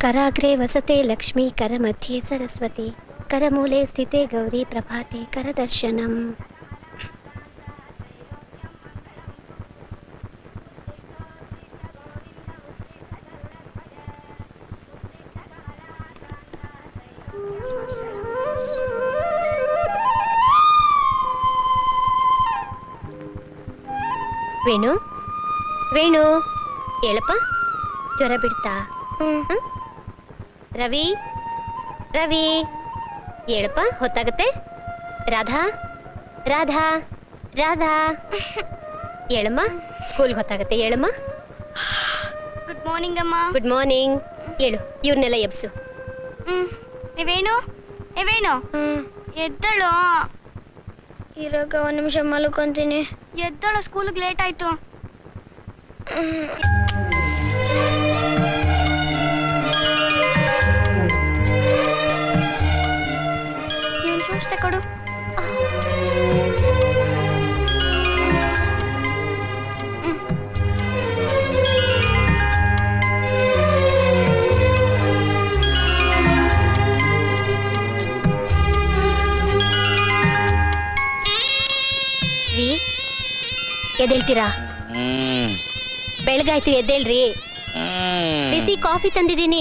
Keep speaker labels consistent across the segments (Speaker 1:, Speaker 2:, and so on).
Speaker 1: कराग्रे वसते लक्ष्मी करमध्ये सरस्वती करमूले स्थिते गौरी प्रभाते करदर्शनम्। ವೇಣು ವೇಣು ಹೇಳಪ್ಪ, ಜ್ವರ ಬಿಡ್ತಾ? ರವಿ ರವಿ ಹೇಳಪ್ಪ, ಹೊತ್ತಾಗತ್ತೆ. ರಾಧಾ ರಾಧಾ ರಾಧಾ ಹೇಳಮ್ಮ, ಸ್ಕೂಲ್ಗೆ ಹೊತ್ತಾಗತ್ತೆ. ಹೇಳಮ್ಮ.
Speaker 2: ಗುಡ್ ಮಾರ್ನಿಂಗ್ ಅಮ್ಮ.
Speaker 1: Good morning. ಹೇಳು, ಇವ್ರನ್ನೆಲ್ಲ ಎಬ್ಸು.
Speaker 2: ವೇಣು ವೇಣು ಎದ್ದಳು.
Speaker 3: ಇರಾಗ ಒಂದು ನಿಮಿಷ ಮಲ್ಕೊಂತೀನಿ.
Speaker 2: ಎದ್ದಳು, ಸ್ಕೂಲ್ಗೆ ಲೇಟ್ ಆಯ್ತು. ಇವನ್ ಶೂಸ್ ತಕೊಡು.
Speaker 1: ಎದ್ದೇಳ್ತೀರಾ? ಬೆಳಗಾಯ್ತು, ಎದ್ದೇಳ್ರಿ. ಬಿಸಿ ಕಾಫಿ ತಂದಿದ್ದೀನಿ.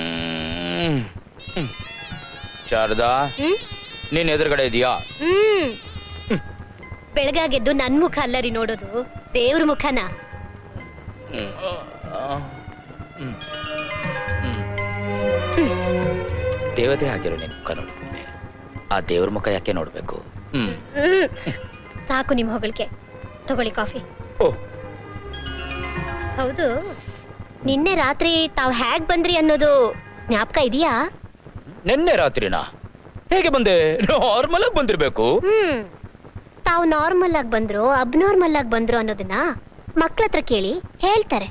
Speaker 4: ಶಾರದಾ, ನೀನ್ ಎದುರುಗಡೆ ಇದೀಯಾ?
Speaker 1: ಬೆಳಗಾಗೆದ್ದು ನನ್ ಮುಖ ಅಲ್ಲರಿ ನೋಡೋದು, ದೇವ್ರ ಮುಖನ.
Speaker 4: ದೇವತೆ ಆಗಿರೋ ನಿನ್ ಮುಖ ನೋಡ್ತೀನಿ, ಆ ದೇವ್ರ ಮುಖ ಯಾಕೆ ನೋಡ್ಬೇಕು?
Speaker 1: ಸಾಕು ನಿಮ್ ಹೊಗಳಿಕೆ. ತಗೊಳ್ಳಿ ಕಾಫಿ. ಹೌದು, ನಿನ್ನೆ ರಾತ್ರಿ ತಾವ್ ಹ್ಯಾಗ್ ಬಂದ್ರಿ ಅನ್ನೋದು ಜ್ಞಾಪಕ ಇದೆಯಾ?
Speaker 4: ನಿನ್ನೆ ರಾತ್ರಿನಾ? ಹೇಗೆ ಬಂದೆ? ನಾರ್ಮಲ್ ಆಗಿ ಬಂದಿರ್ಬೇಕು.
Speaker 1: ತಾವ್ ನಾರ್ಮಲ್ ಆಗಿ ಬಂದ್ರು ಅಬ್ನಾರ್ಮಲ್ ಆಗಿ ಬಂದ್ರು ಅನ್ನೋದನ್ನ ಮಕ್ಳ ಹತ್ರ ಕೇಳಿ ಹೇಳ್ತಾರೆ.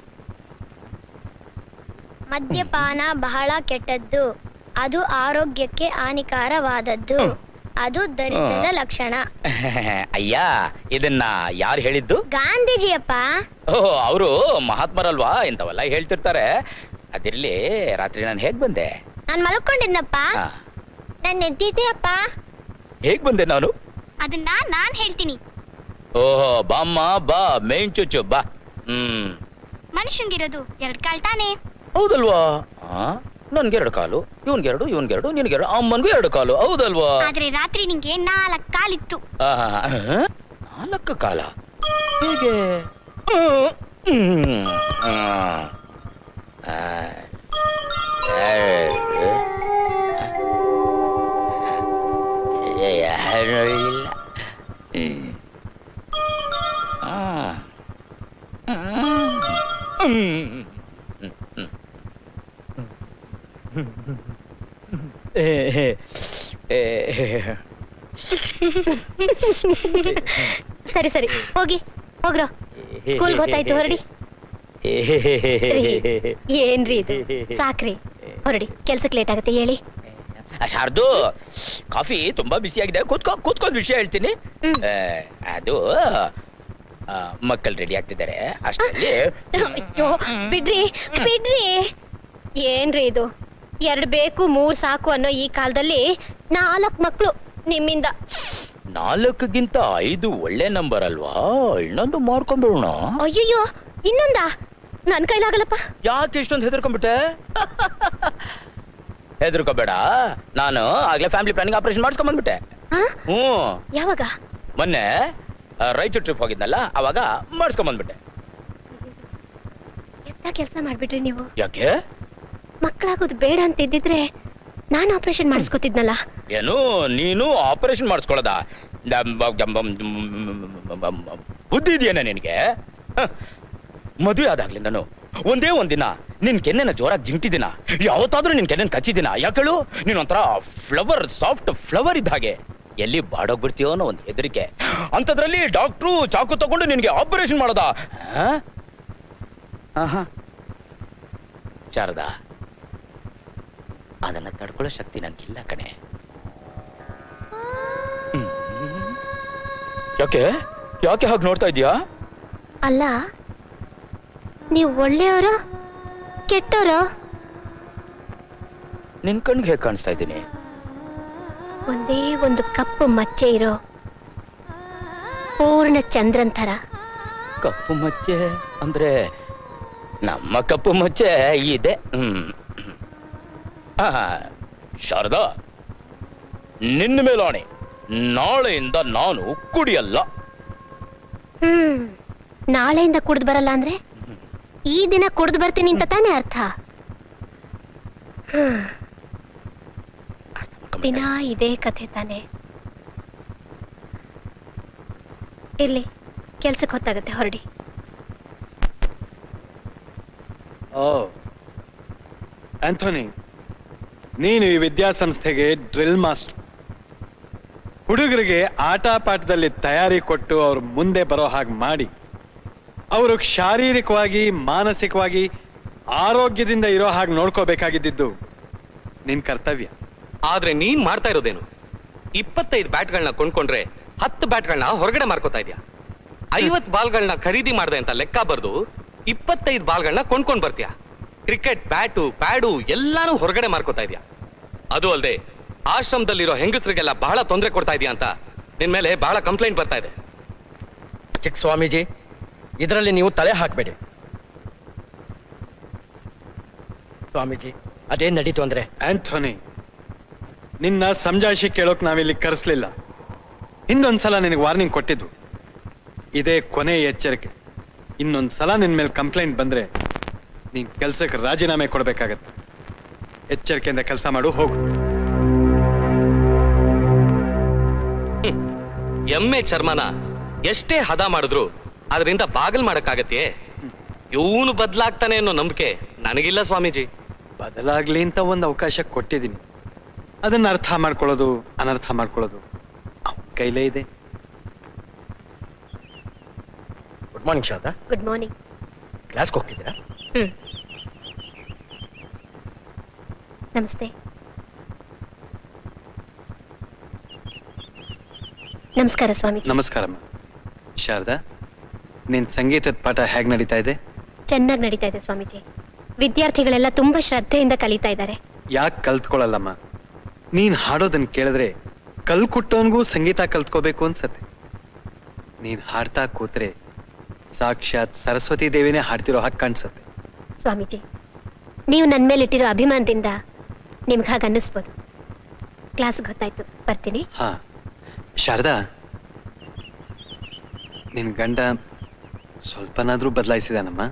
Speaker 3: ಮದ್ಯಪಾನ ಬಹಳ ಕೆಟ್ಟದ್ದು, ಅದು ಆರೋಗ್ಯಕ್ಕೆ ಹಾನಿಕಾರವಾದದ್ದು, ಅದು ದರಿದ್ರದ ಲಕ್ಷಣ.
Speaker 4: ಅಯ್ಯ, ಇದನ್ನ ಯಾರು ಹೇಳಿದ್ದು?
Speaker 3: ಗಾಂಧೀಜಿಯಪ್ಪ.
Speaker 4: ಓಹ್, ಅವರು ಮಹಾತ್ಮರಲ್ವಾ, ಇಂಥವೆಲ್ಲ ಹೇಳ್ತಿರ್ತಾರೆ. ಅದಿರ್ಲಿ, ರಾತ್ರಿ ನಾನು ಹೇಗ್ ಬಂದೆ?
Speaker 3: ನಾನ್ ಮಲ್ಕೊಂಡಿದ್ನಪ್ಪ, ನನ್ನ ಎದ್ದಿದ್ದೆ ಅಪ್ಪ.
Speaker 4: ಹೇಗ್ ಬಂದೆ ನಾನು?
Speaker 2: ಅದನ್ನ ನಾನ್ ಹೇಳ್ತೀನಿ.
Speaker 4: ಓಹೋ, ಬಾಮ್ಮ ಬಾ, ಮೇನ್ ಚುಚ್ಚು ಬಾ.
Speaker 2: ಮನುಷ್ಯಂಗಿರೋದು 2 ಕಾಲ್ ತಾನೆ?
Speaker 4: ಹೌದಲ್ವಾ? ನನ್ಗೆ 2 ಕಾಲು, ಇವನ್ಗೆರಡು, ಇವನ್ಗೆರಡು, ನಿನ್ಗೆರಡು, ಅಮ್ಮನ್ಗೂ 2 ಕಾಲು, ಹೌದಲ್ವಾ?
Speaker 2: ಆದ್ರೆ ರಾತ್ರಿ ನಿಂಗೆ 4 ಕಾಲಿತ್ತು.
Speaker 4: 4 ಕಾಲ? ಹೇಗೆ?
Speaker 1: ಸರಿ ಸರಿ, ಹೋಗಿ ಹೋಗ್ರೋ, ಸ್ಕೂಲ್ ಗೊತ್ತಾಯ್ತು, ಹೊರಡಿ. ಏನ್ರಿ ಇದು, ಸಾಕ್ರಿ, ಹೊರಡಿ, ಕೆಲ್ಸಕ್ಕೆ ಲೇಟ್ ಆಗುತ್ತೆ. ಹೇಳಿ.
Speaker 4: ಶಾರ್ದು, ಕಾಫಿ ತುಂಬಾ ಬಿಸಿ ಆಗಿದೆ, ಕೂತ್ಕೊಂಡ್ ವಿಷಯ ಹೇಳ್ತೀನಿ. ಅದು ಮಕ್ಕಳು ರೆಡಿ ಆಗ್ತಿದ್ದಾರೆ ಅಷ್ಟರಲ್ಲಿ.
Speaker 1: ಬಿಡ್ರಿ ಬಿಡ್ರಿ, ಏನ್ರಿ ಇದು, 2 ಬೇಕು 3 ಸಾಕು ಅನ್ನೋ ಈ ಕಾಲದಲ್ಲಿ 4 ಮಕ್ಳು ನಿಮ್ಮಿಂದ.
Speaker 4: 4ಗಿಂತ 5 ಒಳ್ಳೆ ನಂಬರ್ ಅಲ್ವಾ? ಇನ್ನೊಂದು ಮಾಡ್ಕೊಂಡ್ಬಿಡೋಣ.
Speaker 1: ಅಯ್ಯಯ್ಯೋ, ಇನ್ನೊಂದಾ? ನನ್ ಕೈಲಾಗಲ್ಲಪ್ಪ.
Speaker 4: ಯಾಕೆ ಇಷ್ಟೊಂದು ಹೆದರ್ಕೊಂಡ್ಬಿಟ್ಟೆ? ಹೆದರ್ಕೋಬೇಡ, ನಾನು ಆಗ್ಲೇ ಫ್ಯಾಮಿಲಿ ಪ್ಲಾನಿಂಗ್ ಆಪರೇಷನ್ ಮಾಡಿಸ್ಕೊಂಡ್ ಬಂದ್ಬಿಟ್ಟೆ.
Speaker 1: ಯಾವಾಗ?
Speaker 4: ಮೊನ್ನೆ ರಾಯಚೂರು ಟ್ರಿಪ್ ಹೋಗಿದ್ನಲ್ಲ, ಅವಾಗ ಮಾಡಿಸ್ಕೊಂಡ್ ಬಂದ್ಬಿಟ್ಟೆ.
Speaker 1: ಎಂತ ಕೆಲಸ ಮಾಡ್ಬಿಟ್ರಿ ನೀವು?
Speaker 4: ಯಾಕೆ?
Speaker 1: ಮಕ್ಕಳಾಗೋದು ಬೇಡ ಅಂತ ಇದ್ದಿದ್ರೆ ನಾನು ಆಪರೇಷನ್ ಮಾಡಿಸ್ಕೊತಿದ್ನಲ್ಲ.
Speaker 4: ಏನು, ನೀನು ಆಪರೇಷನ್ ಮಾಡಿಸ್ಕೊಳ್ಳೋದ? ಬುದ್ಧಿ ಇದೆಯೇನ ನಿನಗೆ? ಮದುವೆ ಆದಾಗ್ಲಿಂದನು ಒಂದೇ ಒಂದಿನ ನಿನ್ ಕೆನ್ನೆನ ಜೋರಾಗಿ ಜಿಂಟಿದಿನ, ಯಾವತ್ತಾದ್ರೂ ನಿನ್ ಕೆನ್ನೆನ ಕಚ್ಚಿದಿನ? ಯಾಕೇಳು? ನೀನೊಂಥರ ಫ್ಲವರ್, ಸಾಫ್ಟ್ ಫ್ಲವರ್ ಇದ್ದ ಹಾಗೆ. ಎಲ್ಲಿ ಬಾಡೋಗ್ಬಿಡ್ತೀಯೋ ಅನ್ನೋ ಒಂದು ಹೆದರಿಕೆ. ಅಂತದ್ರಲ್ಲಿ ಡಾಕ್ಟ್ರು ಚಾಕು ತಗೊಂಡು ನಿನ್ಗೆ ಆಪರೇಷನ್ ಮಾಡೋದ? ಶಾರದಾ, ಅದನ್ನ ತಡ್ಕೊಳ್ಳೋ ಶಕ್ತಿ ನಂಗಿಲ್ಲ ಕಣೆ. ಯಾಕೆ ಯಾಕೆ ಹಾಗೆ ನೋಡ್ತಾ ಇದೀಯಾ?
Speaker 1: ಅಲ್ಲ, ನೀವು ಒಳ್ಳೆಯವರೋ ಕೆಟ್ಟವರೋ?
Speaker 4: ನಿನ್ ಕಣ್ಗೆ ಹೇಗೆ ಕಾಣಿಸ್ತಾ ಇದ್ದೀನಿ?
Speaker 1: ಒಂದೇ ಒಂದು ಕಪ್ಪು ಮಚ್ಚೆ ಇರೋ ಪೂರ್ಣ ಚಂದ್ರನ್ ಥರ.
Speaker 4: ಕಪ್ಪು ಮಚ್ಚೆ ಅಂದ್ರೆ ನಮ್ಮ ಕಪ್ಪು ಮಚ್ಚೆ ಇದೆ. ಶಾರದಾ, ನಿನ್ನ ಮೇಲಾಣೆ, ನಾಳೆಯಿಂದ ನಾನು ಕುಡಿಯಲ್ಲ.
Speaker 1: ನಾಳೆಯಿಂದ ಕುಡ್ದು ಬರಲ್ಲ ಅಂದ್ರೆ ಈ ದಿನ ಕುಡ್ದು ಬರ್ತೀನಿ ಅಂತ ತಾನೇ ಅರ್ಥ? ದಿನ ಇದೇ ಕಥೆ ತಾನೆ. ಇರ್ಲಿ, ಕೆಲ್ಸಕ್ಕೆ ಹೊತ್ತಾಗತ್ತೆ, ಹೊರಡಿ.
Speaker 5: ಓ ಆಂಥೋನಿ, ನೀನು ಈ ವಿದ್ಯಾಸಂಸ್ಥೆಗೆ ಡ್ರಿಲ್ ಮಾಸ್ಟರ್. ಹುಡುಗರಿಗೆ ಆಟ ಪಾಠದಲ್ಲಿ ತಯಾರಿ ಕೊಟ್ಟು ಅವ್ರ ಮುಂದೆ ಬರೋ ಹಾಗೆ ಮಾಡಿ ಅವರು ಶಾರೀರಿಕವಾಗಿ ಮಾನಸಿಕವಾಗಿ ಆರೋಗ್ಯದಿಂದ ಇರೋ ಹಾಗೆ ನೋಡ್ಕೋಬೇಕಾಗಿದ್ದು ನಿನ್ ಕರ್ತವ್ಯ.
Speaker 6: ಆದ್ರೆ ನೀನ್ ಮಾಡ್ತಾ ಇರೋದೇನು? 25 ಬ್ಯಾಟ್ಗಳನ್ನ ಕೊಂಡ್ಕೊಂಡ್ರೆ 10 ಬ್ಯಾಟ್ಗಳನ್ನ ಹೊರಗಡೆ ಮಾರ್ಕೋತಾ ಇದ್ಯಾ. 50 ಬಾಲ್ಗಳನ್ನ ಖರೀದಿ ಮಾಡ್ದೆ ಅಂತ ಲೆಕ್ಕ ಬರ್ದು 25 ಬಾಲ್ಗಳನ್ನ ಕೊಂಡ್ಕೊಂಡ್ ಬರ್ತೀಯ. ಕ್ರಿಕೆಟ್ ಬ್ಯಾಟು ಪ್ಯಾಡು ಎಲ್ಲಾನು ಹೊರಗಡೆ ಮಾರ್ಕೋತಾ ಇದ್ಯಾ. ಅದು ಅಲ್ಲದೆ ಆಶ್ರಮದಲ್ಲಿರೋ ಹೆಂಗಸರಿಗೆಲ್ಲ ಬಹಳ ತೊಂದರೆ ಕೊಡ್ತಾ ಇದೆಯಾ ಅಂತ ನಿನ್ ಮೇಲೆ ಬಹಳ ಕಂಪ್ಲೇಂಟ್ ಬರ್ತಾ ಇದೆ.
Speaker 7: ಚಿಕ್ಕ ಸ್ವಾಮೀಜಿ, ಇದರಲ್ಲಿ ನೀವು ತಲೆ ಹಾಕಬೇಡಿ. ಸ್ವಾಮೀಜಿ, ಅದೇನ್ ನಡೀತು ಅಂದ್ರೆ?
Speaker 5: ಆಂಥೋನಿ, ನಿನ್ನ ಸಮಜಾಯಿಷಿ ಕೇಳೋಕ್ ನಾವಿಲ್ಲಿ ಕರೆಸ್ಲಿಲ್ಲ. ಹಿಂದೊಂದ್ಸಲ ನಿನಗೆ ವಾರ್ನಿಂಗ್ ಕೊಟ್ಟಿದ್ದು. ಇದೇ ಕೊನೆ ಎಚ್ಚರಿಕೆ. ಇನ್ನೊಂದ್ಸಲ ನಿನ್ ಮೇಲೆ ಕಂಪ್ಲೇಂಟ್ ಬಂದ್ರೆ ನೀನ್ ಕೆಲ್ಸಕ್ಕೆ ರಾಜೀನಾಮೆ ಕೊಡ್ಬೇಕಾಗತ್ತೆ. ಎಚ್ಚರಿಕೆಯಿಂದ ಕೆಲಸ ಮಾಡು, ಹೋಗು.
Speaker 6: ಎಮ್ಮೆ ಚರ್ಮನ ಎಷ್ಟೇ ಹದ ಮಾಡಿದ್ರು ಅದರಿಂದ ಬಾಗಲ್ ಮಾಡಕ್ಕಾಗತ್ತೆ? ಇವನು ಬದಲಾಗ್ತಾನೆ ಅನ್ನೋ ನಂಬಿಕೆ ನನಗಿಲ್ಲ ಸ್ವಾಮೀಜಿ.
Speaker 5: ಬದಲಾಗ್ಲಿ ಅಂತ ಒಂದು ಅವಕಾಶ ಕೊಟ್ಟಿದ್ದೀನಿ. ಅದನ್ನ ಅರ್ಥ ಮಾಡ್ಕೊಳ್ಳೋದು ಅನರ್ಥ ಮಾಡ್ಕೊಳ್ಳೋದು ಅವನ ಕೈಲೇ ಇದೆ.
Speaker 7: Good morning Sharada.
Speaker 1: Good morning.
Speaker 7: ಕ್ಲಾಸ್ಗೆ ಹೋಗ್ತಿದ್ದೀರಾ?
Speaker 1: ನಮಸ್ತೆ. ನಮಸ್ಕಾರ ಸ್ವಾಮೀಜಿ.
Speaker 5: ನಮಸ್ಕಾರಮ್ಮ. ಶಾರದಾ, ನಿನ್ ಸಂಗೀತದ ಪಾಠ ಹೇಗ್ ನಡೀತಾ ಇದೆ?
Speaker 1: ಚೆನ್ನಾಗಿ ನಡೀತಾ ಇದೆ ಸ್ವಾಮೀಜಿ. ವಿದ್ಯಾರ್ಥಿಗಳೆಲ್ಲ ತುಂಬಾ ಶ್ರದ್ಧೆಯಿಂದ ಕಲಿತಾ ಇದ್ದಾರೆ.
Speaker 5: ಯಾಕೆ ಕಲ್ತ್ಕೊಳ್ಳಲ್ಲಮ್ಮ? ನೀನ್ ಹಾಡೋದನ್ನ ಕೇಳಿದ್ರೆ ಕಲ್ಕುಟ್ಟೋನ್ಗೂ ಸಂಗೀತ ಕಲ್ತ್ಕೋಬೇಕು ಅನ್ಸತ್ತೆ. ನೀನ್ ಹಾಡ್ತಾ ಕೂತ್ರೆ ಸಾಕ್ಷಾತ್ ಸರಸ್ವತಿ ದೇವಿನೇ ಹಾಡ್ತಿರೋ ಹಾಗೆ ಕಾಣಿಸತ್ತೆ.
Speaker 1: ಸ್ವಾಮೀಜಿ, ನೀವು ನನ್ನ ಮೇಲೆ ಇಟ್ಟಿರೋ ಅಭಿಮಾನದಿಂದ ನಿಮ್ಗೆ ಹಾಗೆ ಅನ್ನಿಸ್ಬೋದು. ಕ್ಲಾಸ್ಗೆ ಗೊತ್ತಾಯ್ತು, ಬರ್ತೀನಿ.
Speaker 5: ಹಾ ಶಾರದಾ, ನಿನ್ ಗಂಡ ಸ್ವಲ್ಪನಾದ್ರೂ ಬದಲಾಯಿಸಿದಾನಮ್ಮ?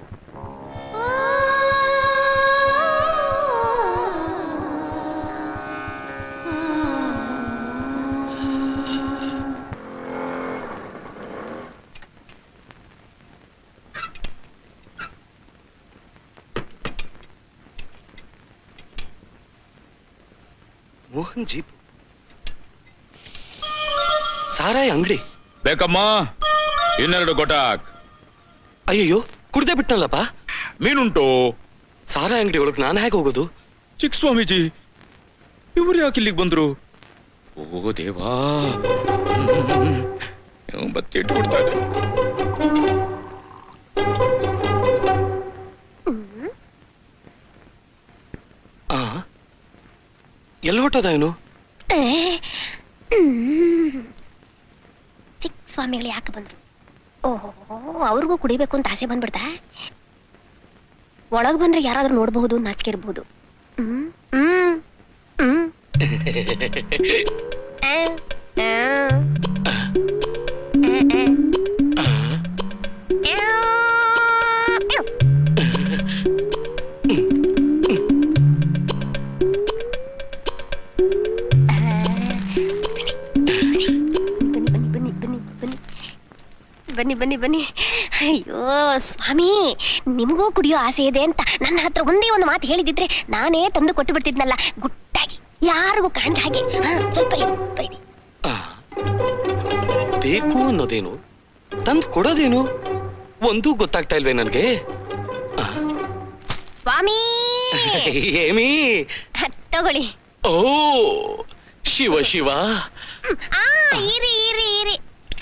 Speaker 6: ಮೋಹನ್ ಜೀಪ್ ಸಾರಾಯಿ ಅಂಗಡಿ
Speaker 4: ಬೇಕಮ್ಮ, ಇನ್ನೆರಡು ಗೊಟಾಕ್.
Speaker 6: ಅಯ್ಯಯ್ಯೋ, ಕುಡ್ದೆ ಬಿಟ್ಟಲ್ಲಪ್ಪ.
Speaker 4: ಮೀನುಂಟು?
Speaker 6: ಸಾರಾಯಿ ಅಂಗಡಿ ಒಳಗ್ ನಾನು ಹೇಗೆ ಹೋಗೋದು?
Speaker 4: ಚಿಕ್ಕ ಸ್ವಾಮೀಜಿ, ಇವ್ರು ಯಾಕೆ ಇಲ್ಲಿಗೆ ಬಂದ್ರು? ಓ ದೇವಾ, ಬಚ್ಚಿಟ್ಟು ಬಿಡ್ತಾರೆ.
Speaker 6: ಎಲ್ಲಿ ಹೊಟ್ಟದ ಏನು?
Speaker 1: ಚಿಕ್ಕ ಸ್ವಾಮಿಗಳು ಯಾಕೆ ಬಂದ್ರು? ಓಹೋ, ಅವ್ರಿಗೂ ಕುಡಿಬೇಕು ಅಂತ ಆಸೆ ಬಂದ್ಬಿಡ್ತಾ? ಒಳಗ್ ಬಂದ್ರೆ ಯಾರಾದ್ರೂ ನೋಡಬಹುದು, ನಾಚಿಕೆ ಇರಬಹುದು. ಬನ್ನಿ ಬನ್ನಿ ಬನ್ನಿ. ಅಯ್ಯೋ ಸ್ವಾಮಿ, ನಿಮಗೂ ಕುಡಿಯೋ ಆಸೆ ಇದೆ ಅಂತ ನನ್ನ ಹತ್ರ ಒಂದೇ ಒಂದು ಮಾತು ಹೇಳಿದಿದ್ರೆ ನಾನೇ ತಂದು ಕೊಟ್ಟು ಬಿಡ್ತಿದ್ನಲ್ಲ, ಗುಟ್ಟಾಗಿ, ಯಾರಿಗೂ ಕಾಣ್ದ ಹಾಗೆ. ಸ್ವಲ್ಪ ಇರಿ.
Speaker 6: ಬೇಕು ಅನ್ನೋದೇನು, ತಂದು ಕೊಡೋದೇನು ಒಂದೂ ಗೊತ್ತಾಗ್ತಾ ಇಲ್ವೇ ನನ್ಗೆ?
Speaker 1: ಸ್ವಾಮಿ
Speaker 6: ಏಮಿ,
Speaker 1: ತಗೊಳ್ಳಿ.
Speaker 6: ಓ ಶಿವ ಶಿವ.
Speaker 1: ಇರಿ ಇರಿ ಇರಿ.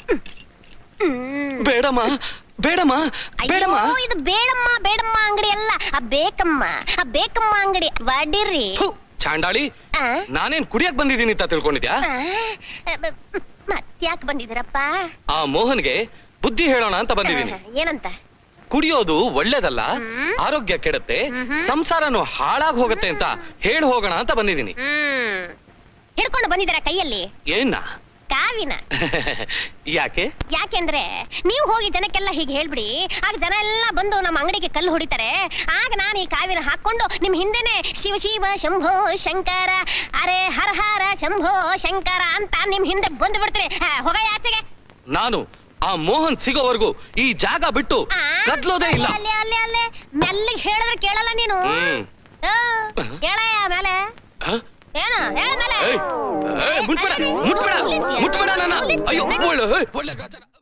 Speaker 6: ಬೇಡಮ್ಮ ಬೇಡಮ್ಮ ಬೇಡಮ್ಮ.
Speaker 1: ಅಯ್ಯೋ, ಇದು ಬೇಡಮ್ಮ ಬೇಡಮ್ಮ ಅಂಗಡಿ ಅಲ್ಲ, ಆ ಬೇಕಮ್ಮ ಅಂಗಡಿ. ಬಡಿರಿ.
Speaker 6: ಚಾಂಡಾಳಿ
Speaker 1: ಆ?
Speaker 6: ನಾನೇನ್ ಕುಡಿಯಕ್ ಬಂದಿದ್ದೀನಿ ಅಂತ ತಿಳ್ಕೊಂಡಿದ್ಯಾ
Speaker 1: ಮತ್ತ್ಯಾಕ್ ಬಂದಿದ್ದೀರಪ್ಪ?
Speaker 6: ಆ ಮೋಹನ್ಗೆ ಬುದ್ಧಿ ಹೇಳೋಣ ಅಂತ ಬಂದಿದ್ದೀನಿ.
Speaker 1: ಏನಂತ?
Speaker 6: ಕುಡಿಯೋದು ಒಳ್ಳೇದಲ್ಲ, ಆರೋಗ್ಯ ಕೆಡುತ್ತೆ, ಸಂಸಾರನು ಹಾಳಾಗ್ ಹೋಗುತ್ತೆ ಅಂತ ಹೇಳಿ ಹೋಗೋಣ ಅಂತ ಬಂದಿದ್ದೀನಿ.
Speaker 1: ಹಿಡ್ಕೊಂಡು ಬಂದಿದ್ದೀರ ಕೈಯಲ್ಲಿ
Speaker 6: ಏನ್ನ?
Speaker 1: ಕಾವಿನ.
Speaker 6: ಯಾಕೆ?
Speaker 1: ಯಾಕೆಂದ್ರೆ ನೀವು ಹೋಗಿ ಜನಕ್ಕೆಲ್ಲ ಹೀಗೆ ಹೇಳ್ಬಿಡಿ, ಆಗ ಜನ ಎಲ್ಲ ಬಂದು ನಮ್ಮ ಅಂಗಡಿಗೆ ಕಲ್ಲು ಹೊಡಿತಾರೆ. ಆಗ ನಾನು ಈ ಕಾವಿನ ಹಾಕೊಂಡು ನಿಮ್ ಹಿಂದೆನೆ ಶಿವ ಶಿವ ಶಂಭೋ ಶಂಕರ, ಅರೆ ಹರ ಹರ ಶಂಭೋ ಶಂಕರ ಅಂತ ನಿಮ್ ಹಿಂದೆ ಬಂದು ಬಿಡ್ತೀನಿ. ಹೋಗ ಆಚೆಗೆ.
Speaker 6: ನಾನು ಆ ಮೋಹನ್ ಸಿಗೋವರೆಗೂ ಈ ಜಾಗ ಬಿಟ್ಟು
Speaker 1: ಆ?
Speaker 6: ಕದ್ಲೋದೇ ಇಲ್ಲ.
Speaker 1: ಅಲ್ಲೇ ಅಲ್ಲೇ ಅಲ್ಲೇ ಮೆಲ್ಲಿಗೆ ಹೇಳಿದ್ರೆ ಕೇಳಲ್ಲ ನೀನು. ಹೇಳಯ್ಯ ಮೇಲೆ
Speaker 6: ಹ?
Speaker 1: ಏನು ಹೇಳ ಮೇಲೆ.
Speaker 6: ಏಯ್, ಏಯ್, ಮುಟ್ಬೇಡ ನನ್ನ. ಅಯ್ಯೋ ಒಳ್ಳೆ ಗಾಚಾರ.